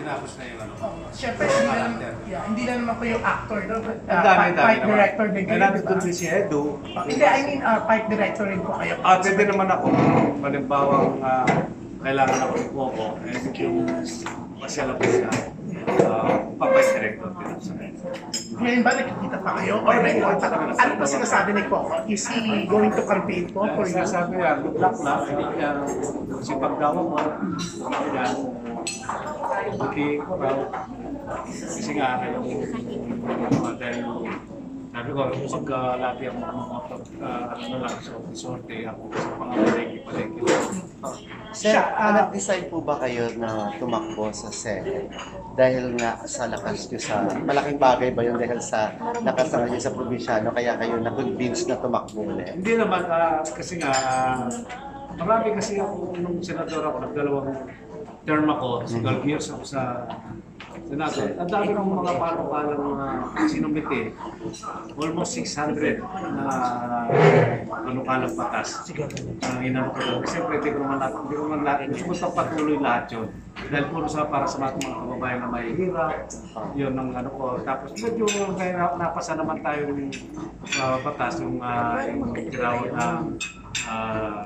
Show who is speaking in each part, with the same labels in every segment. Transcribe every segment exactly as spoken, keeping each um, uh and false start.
Speaker 1: tinapos na yung ano.
Speaker 2: Siyempre, hindi na, yeah, hindi na naman po yung actor, no? Uh,
Speaker 1: Ang dami,
Speaker 2: fight,
Speaker 1: dami
Speaker 2: fight
Speaker 1: naman.
Speaker 2: director din
Speaker 1: May
Speaker 2: kayo,
Speaker 1: natin
Speaker 2: di ba?
Speaker 1: doon si Edu.
Speaker 2: Uh, hindi, I mean, uh, fight director rin po kayo.
Speaker 1: Ah, pwede naman ako. Malimbawang uh, kailangan ako ng Coco. Eh, yung masyala po siya. Uh, Papay director din sa akin.
Speaker 2: Ngayon ba nakikita pa kayo? Or may ano pa sinasabi ni Coco? Is he going to campaign po for you?
Speaker 1: Sinasabi niya, good luck na. Kaya si pagdawa mo, kaya buti ko raw. Kasi nga, yung dahil sabi ko, pagkalati ako mga ano lang, sorte ako sa pangamalagi-palagi.
Speaker 3: Sir, uh, nag-decide po ba kayo na tumakbo sa Senate? Dahil nga sa lakas nyo sa, malaking bagay ba yun dahil sa lakas na nyo sa probinsyano, kaya kayo na-convince na tumakbo ulit?
Speaker 1: Hindi naman, uh, kasi nga, uh, marami kasi ako, nung senador ako, nagdalawang term ako, so twelve years ako sa Senado. Ang dami ng mga panukalang mga sinumite, almost six hundred na panukalang batas. Ang inano ko doon. Siyempre, hindi ko naman natin, hindi ko naman natin, gusto ko itong patuloy lahat yun. Dahil puro sa para sa mga kababayan na may hirap, yun ang ano ko. Tapos medyo napasa naman tayo ng uh, batas, yung, uh, yung tinawag na uh,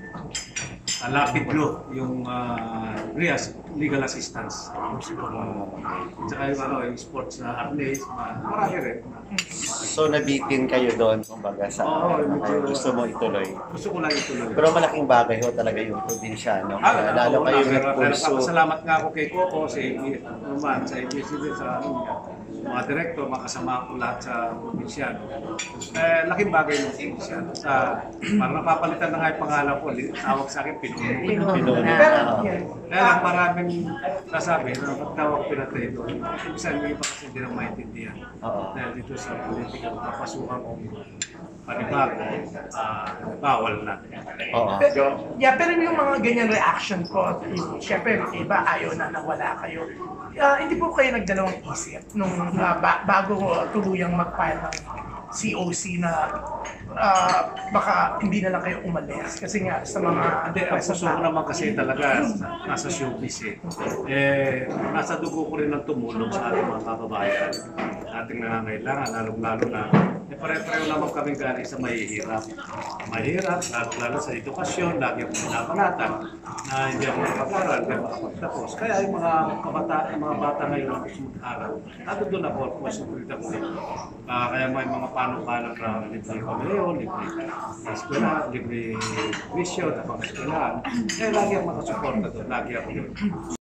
Speaker 1: Uh, lapid law, yung uh, legal assistance. Uh, tsaka yung, ano, yung sports na athlete, marami rin.
Speaker 3: So nabitin kayo doon, kumbaga sa
Speaker 1: Oo,
Speaker 3: ano, kayo gusto mo ituloy.
Speaker 1: Gusto ko lang ituloy.
Speaker 3: Pero malaking bagay ho talaga yung probinsyano.
Speaker 1: Ah,
Speaker 3: Lalo kayo
Speaker 1: pero, pero
Speaker 3: nagpulso.
Speaker 1: salamat nga ako kay Coco, sa naman, sa A B S D, sa ano niya, mga direktor, mga kasama ko lahat sa probinsyano. Eh, laking bagay ng probinsyano. Sa, parang napapalitan na nga yung pangalan ko, tawag sa akin, Pinuno.
Speaker 3: Pinuno.
Speaker 2: Pero, yeah.
Speaker 1: Kaya lang maraming nasabi na pagtawag pinatay doon. Ibig sabihin pa kasi hindi na maintindihan.
Speaker 3: Oo.
Speaker 1: Dahil dito sa politika, papasukan kong panibago, uh, bawal na.
Speaker 3: Oo.
Speaker 2: Pero, yeah, pero yung mga ganyan reaction ko, syempre, iba ayaw na nawala kayo. Uh, hindi po kayo nagdalawang isip nung uh, ba bago tuluyang mag-file ng C O C na uh, baka hindi na lang kayo umalis kasi nga sa mga
Speaker 1: Hindi, ang puso ko naman kasi talaga nasa showbiz eh. Eh, nasa dugo ko rin ang tumulong sa ating mga kababayan. Ating nangangailangan, lalong-lalo na eh, pare-pareho naman kami galing sa mahihirap. Mahirap, lalo-lalo sa edukasyon, lagi akong pinapanatan na hindi ako nakapag-aral, hindi ako makapagtapos. Kaya yung mga kabata, yung mga bata ngayon na gusto mag-aral, nato doon ako, masulit ako eh. Uh, kaya may mga paano-paano na libre pamilyo, libre eskwela, libre wisyo, tapos eskwelahan. Kaya lagi ako makasuporta doon, lagi ako doon.